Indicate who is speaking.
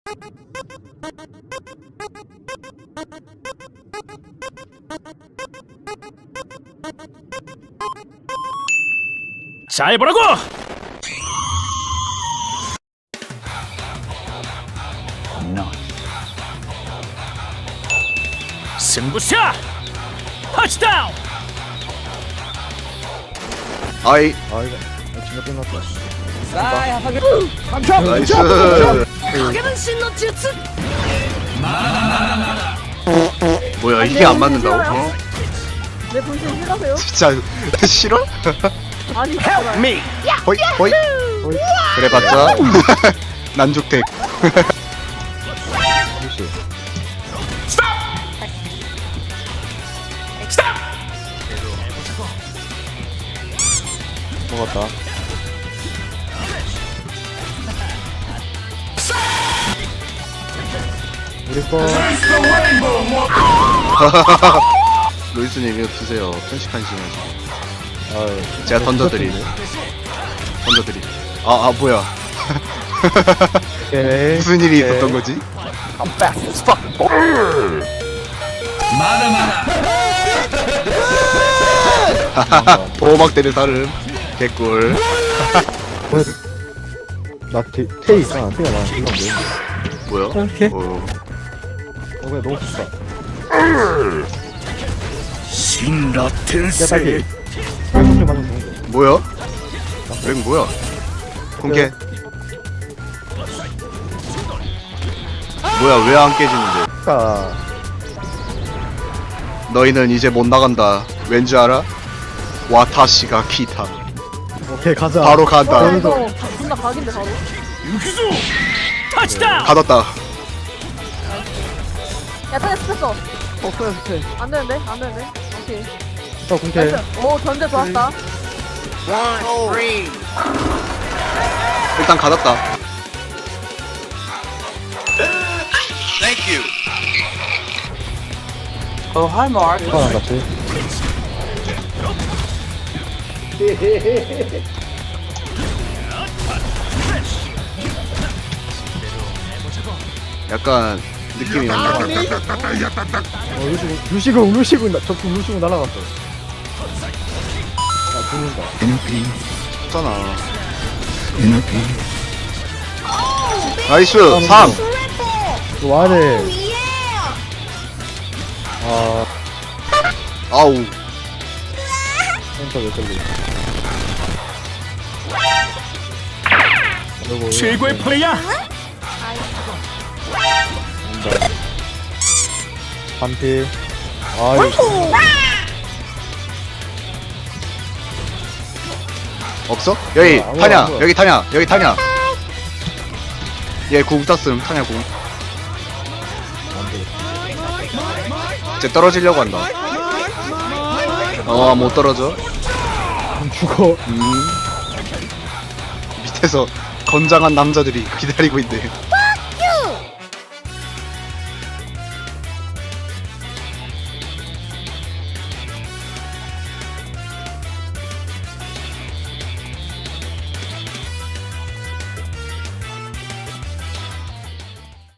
Speaker 1: 잘 보라고! 승부샷! 터치다운!
Speaker 2: 아이
Speaker 3: 아 이거 진짜 끝났다.
Speaker 2: 나이스. 뭐야 이게 안 맞는다고? 어?
Speaker 4: 내 분신 싫어하세요?
Speaker 2: 진짜 싫어?
Speaker 4: 아니 진짜
Speaker 1: Me!
Speaker 2: 호이 호이. 그래봤자 난죽택.
Speaker 3: 무시. 먹었다. 우리 거.
Speaker 2: 로이스님 이거 드세요. 편식한 시간.
Speaker 3: 아유,
Speaker 2: 제가 던져드림. 던져드림. 아 뭐야?
Speaker 3: 오케이.
Speaker 2: 무슨 일이 있었던 거지? 보호막대를 다름. 개꿀.
Speaker 3: 나 테이 있잖아. 테이가 나랑 이건 뭐야?
Speaker 2: 뭐야?
Speaker 3: 이렇게?
Speaker 2: 어.
Speaker 3: 그냥 너무 좋다.
Speaker 1: 신라
Speaker 3: 야,
Speaker 1: 텐세!
Speaker 3: 딸기. 술 맞으면 좋은데.
Speaker 2: 뭐야? 랭 뭐야? 공개. 뭐야 왜 안 깨지는데?
Speaker 3: 아까
Speaker 2: 너희는 이제 못 나간다. 왠지 알아? 와타시가 키타.
Speaker 3: 오케이 가자.
Speaker 2: 바로 간다.
Speaker 4: 와 이거 존나 각인데 바로
Speaker 1: 유기수! 터치다운!
Speaker 2: 가뒀다.
Speaker 4: 야 타겟 스쳤어
Speaker 3: 없어요 스테.
Speaker 4: 안되는데? 안되는데? 오케이
Speaker 3: 공태.
Speaker 4: 나이스 오 전제 좋았다
Speaker 2: 일단 가뒀다.
Speaker 3: 이건 안 갔지.
Speaker 2: 약간 느낌이 온다.
Speaker 3: 루시군 저품 루시군 날아갔어. 야 죽는다.
Speaker 2: 없잖아. 나이스. 3.
Speaker 3: 이거 와야돼. 아
Speaker 2: 아우.
Speaker 3: 센터 왜 걸리? 아이고,
Speaker 1: 최고의 플레이야!
Speaker 3: 반피. 아이고.
Speaker 2: 없어? 여기
Speaker 3: 안 보여,
Speaker 2: 타냐?
Speaker 3: 안 보여.
Speaker 2: 여기 타냐? 여기 타냐? 얘궁 땄음. 타냐 궁. 이제 떨어지려고 한다. 못 떨어져.
Speaker 3: 죽어.
Speaker 2: 밑에서 건장한 남자들이 기다리고 있네.